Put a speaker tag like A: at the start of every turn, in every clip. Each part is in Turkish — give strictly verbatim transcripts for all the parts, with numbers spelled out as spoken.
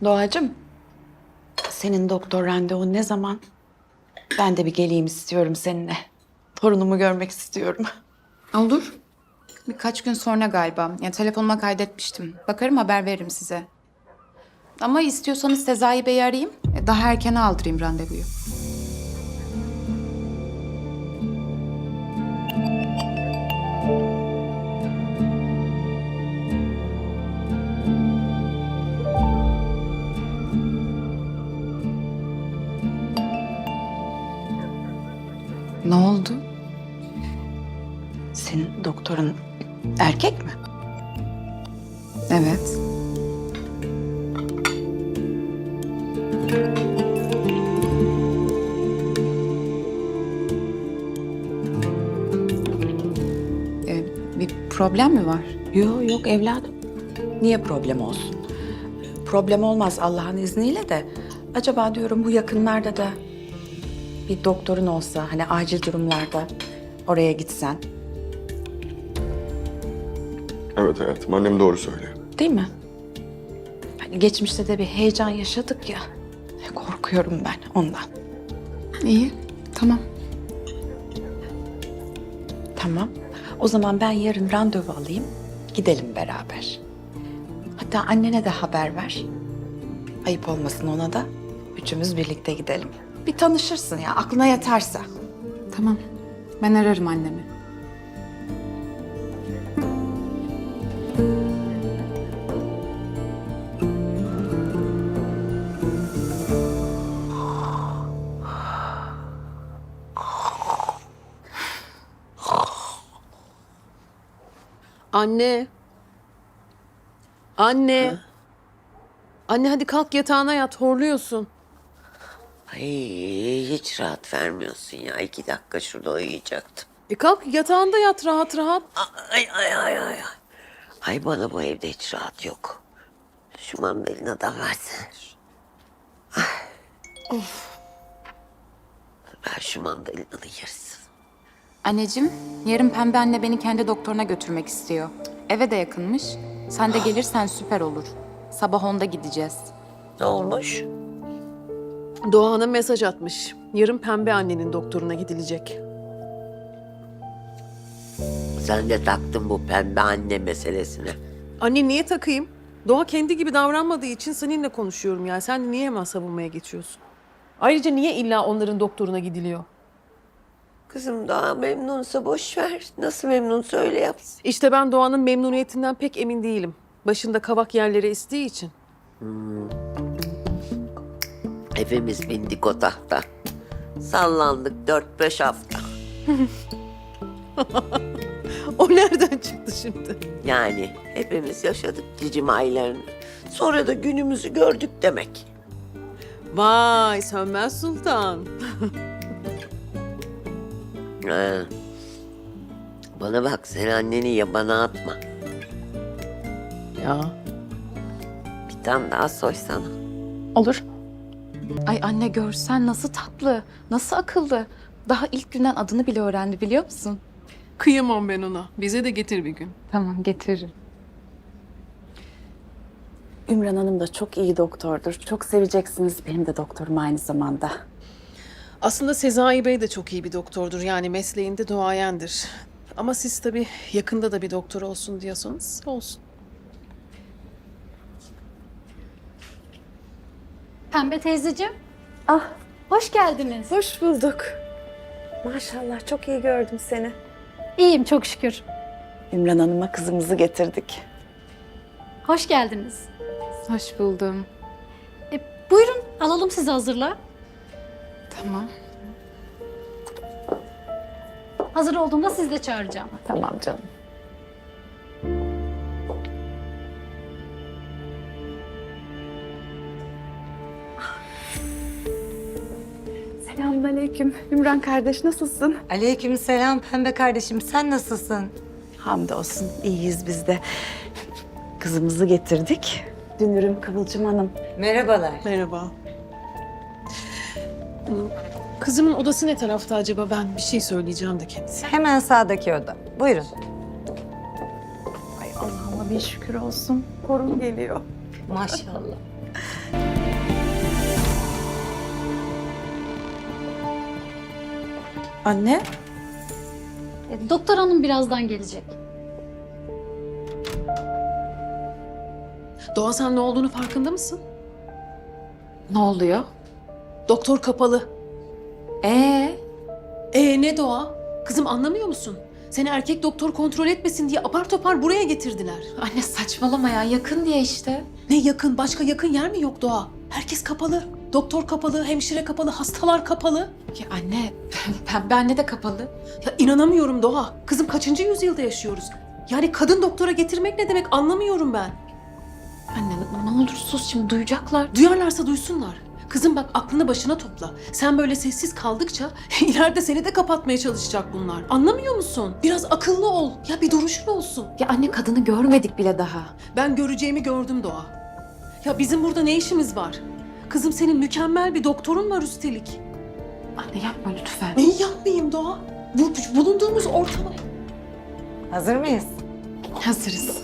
A: Doğacığım, senin doktor randevun ne zaman? Ben de bir geleyim istiyorum seninle. Torunumu görmek istiyorum.
B: Olur. Birkaç gün sonra galiba. Ya telefonuma kaydetmiştim. Bakarım, haber veririm size. Ama istiyorsanız Sezai Bey'i arayayım. e, Daha erkene aldırayım randevuyu. Ne oldu?
A: Senin doktorun erkek mi?
B: Evet. Ee, bir problem mi var?
A: Yok yok evladım. Niye problem olsun? Problem olmaz Allah'ın izniyle de. Acaba diyorum bu yakınlarda da bir doktorun olsa hani acil durumlarda oraya gitsen.
C: Evet hayatım, annem doğru söylüyor.
A: Değil mi? Hani geçmişte de bir heyecan yaşadık ya. Korkuyorum ben ondan.
B: İyi, tamam.
A: Tamam. O zaman ben yarın randevu alayım. Gidelim beraber. Hatta annene de haber ver. Ayıp olmasın ona da. Üçümüz birlikte gidelim. Bir tanışırsın ya aklına yatarsa.
B: Tamam. Ben ararım annemi.
D: Anne. Anne. Anne hadi kalk yatağına yat, horluyorsun.
E: Ay hiç rahat vermiyorsun ya. İki dakika şurada uyuyacaktım.
D: E kalk yatağında yat rahat rahat.
E: Ay ay ay ay. Ay, ay bana bu evde hiç rahat yok. Şu mandalinadan versene. Ay. Of. Ver şu mandalinanın yarısını.
B: Anneciğim, yarın Pembe anne beni kendi doktoruna götürmek istiyor. Eve de yakınmış. Sen de gelirsen süper olur. Sabah onda gideceğiz.
E: Ne olmuş?
D: Doğan'a mesaj atmış. Yarın Pembe annenin doktoruna gidilecek.
E: Sen de taktın bu pembe anne meselesine.
D: Anne niye takayım? Doğa kendi gibi davranmadığı için seninle konuşuyorum ya. Sen niye hemen savunmaya geçiyorsun? Ayrıca niye illa onların doktoruna gidiliyor?
E: Kızım daha memnunsa boş ver. Nasıl memnunsa öyle yapsın.
D: İşte ben Doğan'ın memnuniyetinden pek emin değilim. Başında kavak yerlere estiği için.
E: Hepimiz bindik o tahta. Sallandık dört beş hafta.
D: O nereden çıktı şimdi?
E: Yani hepimiz yaşadık cicim aylarını. Sonra da günümüzü gördük demek.
D: Vay Sönmez Sultan.
E: Ha. Bana bak sen anneni yabana atma.
D: Ya.
E: Bir tane daha soysana.
B: Olur. Ay anne görsen nasıl tatlı, nasıl akıllı. Daha ilk günden adını bile öğrendi biliyor musun?
D: Kıyamam ben ona. Bize de getir bir gün.
B: Tamam getiririm.
A: Ümran Hanım da çok iyi doktordur. Çok seveceksiniz. Benim de doktorum aynı zamanda.
D: Aslında Sezai Bey de çok iyi bir doktordur. Yani mesleğinde duayendir. Ama siz tabii yakında da bir doktor olsun diyorsanız olsun.
F: Pembe teyzeciğim. Ah, hoş geldiniz.
G: Hoş bulduk. Maşallah çok iyi gördüm seni.
F: İyiyim çok şükür.
A: Ümran Hanım'a kızımızı getirdik.
F: Hoş geldiniz.
B: Hoş buldum.
F: E, buyurun alalım sizi hazırla.
B: Tamam.
F: Hazır olduğumda sizi de çağıracağım.
A: Tamam canım.
G: Selamünaleyküm. Ümran kardeş nasılsın?
H: Aleykümselam Pembe kardeşim. Sen nasılsın?
A: Hamdolsun iyiyiz biz de. Kızımızı getirdik. Dünürüm Kıvılcım Hanım.
H: Merhabalar.
D: Merhaba. Kızımın odası ne tarafta acaba? Ben bir şey söyleyeceğim de kendisi.
H: Hemen sağdaki oda. Buyurun.
G: Ay Allah'ıma bir şükür olsun. Korun geliyor.
H: Maşallah.
A: Anne?
F: E, doktor hanım birazdan gelecek.
D: Doğa sen ne olduğunu farkında mısın?
B: Ne oluyor?
D: Doktor kapalı.
B: Ee,
D: Ee ne Doğa? Kızım anlamıyor musun? Seni erkek doktor kontrol etmesin diye apar topar buraya getirdiler.
B: anne saçmalama ya. Yakın diye işte.
D: Ne yakın, başka yakın yer mi yok Doğa? Herkes kapalı. Doktor kapalı, hemşire kapalı, hastalar kapalı.
B: Ya anne, pembe anne de kapalı.
D: Ya inanamıyorum Doğa. Kızım kaçıncı yüzyılda yaşıyoruz? Yani kadın doktora getirmek ne demek anlamıyorum ben.
B: Anne ne olur sus, şimdi duyacaklar.
D: Duyarlarsa duysunlar. Kızım bak aklını başına topla. Sen böyle sessiz kaldıkça ileride seni de kapatmaya çalışacak bunlar. Anlamıyor musun? Biraz akıllı ol. Ya bir duruşun olsun.
B: Ya anne, kadını görmedik bile daha.
D: Ben göreceğimi gördüm Doğa. Ya bizim burada ne işimiz var? Kızım senin mükemmel bir doktorun var üstelik.
B: Anne yapma lütfen.
D: Neyi yapmayayım Doğa? Bu bulunduğumuz ortama...
H: Hazır mıyız?
B: Hazırız.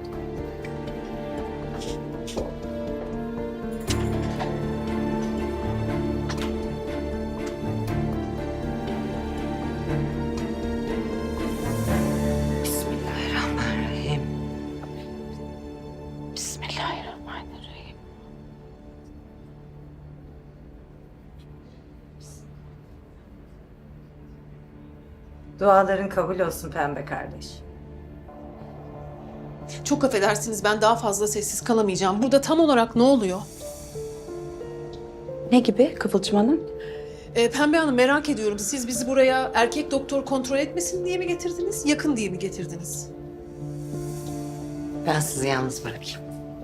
A: Bismillahirrahmanirrahim. Bismillahirrahmanirrahim.
H: Duaların kabul olsun pembe kardeş.
D: Çok affedersiniz ben daha fazla sessiz kalamayacağım. Burada tam olarak ne oluyor?
A: Ne gibi Kıvılcım Hanım?
D: Ee, Pembe Hanım merak ediyorum. Siz bizi buraya erkek doktor kontrol etmesin diye mi getirdiniz? Yakın diye mi getirdiniz?
H: Ben sizi yalnız bırakayım.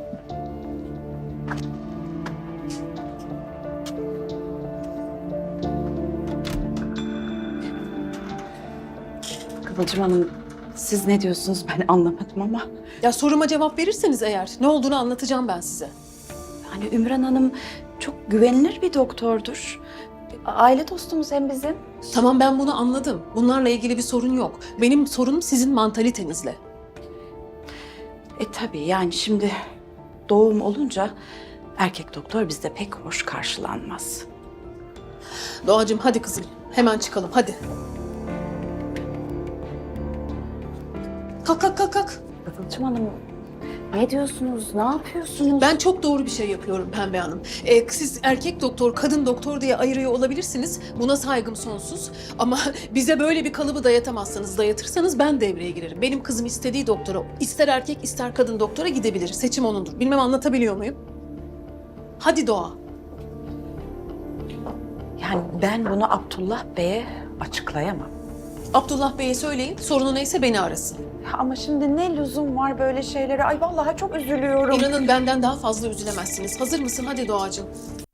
A: Kıvılcım Hanım, siz ne diyorsunuz ben anlamadım ama.
D: Ya soruma cevap verirseniz eğer ne olduğunu anlatacağım ben size.
A: Hani Ümran Hanım çok güvenilir bir doktordur. Aile dostumuz hem bizim.
D: Tamam ben bunu anladım. Bunlarla ilgili bir sorun yok. Benim sorunum sizin mantalitenizle.
A: E tabii yani şimdi doğum olunca erkek doktor bizde pek hoş karşılanmaz.
D: Doğacığım hadi kızım. Hemen çıkalım hadi. Kalk kalk kalk kalk.
A: Kıvılcım Hanım ne diyorsunuz, ne yapıyorsunuz?
D: Ben çok doğru bir şey yapıyorum Pembe Hanım. Ee, siz erkek doktor, kadın doktor diye ayırıyor olabilirsiniz. Buna saygım sonsuz. Ama bize böyle bir kalıbı dayatamazsanız, dayatırsanız ben devreye girerim. Benim kızım istediği doktora, ister erkek ister kadın doktora gidebilir. Seçim onundur. Bilmem anlatabiliyor muyum? Hadi Doğa.
A: Yani ben bunu Abdullah Bey'e açıklayamam.
D: Abdullah Bey'e söyleyin, sorunu neyse beni arasın.
A: Ama şimdi ne lüzum var böyle şeylere? Ay vallahi çok üzülüyorum.
D: İnanın benden daha fazla üzülemezsiniz. Hazır mısın? Hadi Doğacığım.